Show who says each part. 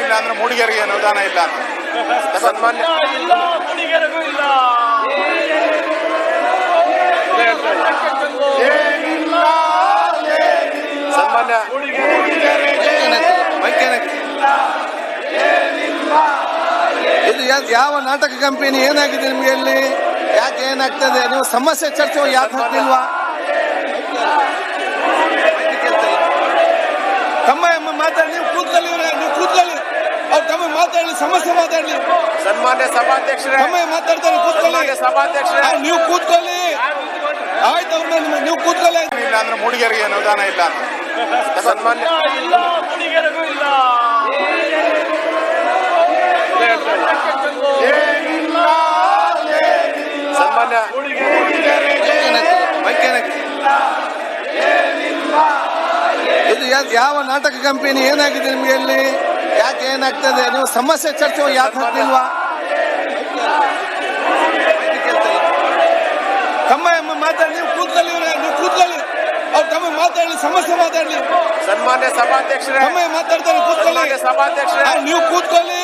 Speaker 1: ಇಲ್ಲ ಅಂದ್ರೆ ಮೂಡಿಗೆರೆಗೆ ಅನುದಾನ ಇಲ್ಲ ಸನ್ಮಾನ್ಯ
Speaker 2: ಮೂಡಿಗೆರೆಗೂ ಇಲ್ಲ.
Speaker 1: ಸನ್ಮಾನ್ಯ
Speaker 3: ಇದು ಯಾವ ನಾಟಕ ಕಂಪನಿ ಏನಾಗಿದೆ ನಿಮ್ಗೆ ಇಲ್ಲಿ? ಯಾಕೆ ಏನಾಗ್ತದೆ? ನೀವು ಸಮಸ್ಯೆ ಚರ್ಚೆ ಯಾಕೆ ಹಾಕ್ತಿಲ್ವಾ? ತಮ್ಮ ಮಾತಾಡಿ, ನೀವು ಕೂತ್ಕೊಳ್ಳಿ, ನೀವು ಕೂತ್ಕೊಳ್ಳಿ, ಅವ್ರು ತಮ್ಮ ಮಾತಾಡಲಿ, ಸಮಸ್ಯೆ ಮಾತಾಡಲಿ.
Speaker 1: ಸನ್ಮಾನ್ಯ ಸಭಾಧ್ಯಕ್ಷರೇ,
Speaker 3: ತಮ್ಮ ಮಾತಾಡ್ತಾರೆ, ಕೂತ್ಕೊಳ್ಳಿ.
Speaker 1: ಸಭಾಧ್ಯಕ್ಷರೇ,
Speaker 3: ನೀವು ಕೂತ್ಕೊಳ್ಳಿ, ಆಯ್ತು, ಅವ್ರನ್ನ ನೀವು ಕೂತ್ಕೊಳ್ಳಿ.
Speaker 1: ಇಲ್ಲ ಅಂದ್ರೆ ಮೂಡಿಗೆರೆಗೆ ಅನುದಾನ ಇಲ್ಲ ಸನ್ಮಾನ್ಯ
Speaker 2: ಮೂಡಿಗೆರೆಗೂ ಇಲ್ಲ.
Speaker 1: ಸನ್ಮಾನ್ಯ
Speaker 3: ಇದು ಯಾವ ನಾಟಕ ಕಂಪನಿ ಏನಾಗಿದೆ ನಿಮ್ಗೆ ಇಲ್ಲಿ? ಯಾಕೆ ಏನಾಗ್ತದೆ? ನೀವು ಸಮಸ್ಯೆ ಚರ್ಚೆ ಯಾಕೆ ಹಾಕ್ತಿಲ್ವಾ? ತಮ್ಮ ಮಾತಾಡಿ, ನೀವು ಕೂತ್ಕೊಳ್ಳಿ, ನೀವು ಕೂತ್ಕೊಳ್ಳಿ, ಅವ್ರು ತಮ್ಮ ಮಾತಾಡಲಿ, ಸಮಸ್ಯೆ ಮಾತಾಡಲಿ.
Speaker 1: ಸನ್ಮಾನ್ಯ ಸಭಾಧ್ಯಕ್ಷರೇ,
Speaker 3: ತಮ್ಮ ಮಾತಾಡ್ತಾರೆ, ಕೂತ್ಕೊಳ್ಳಿ.
Speaker 1: ಸಭಾಧ್ಯಕ್ಷರೇ,
Speaker 3: ನೀವು ಕೂತ್ಕೊಳ್ಳಿ,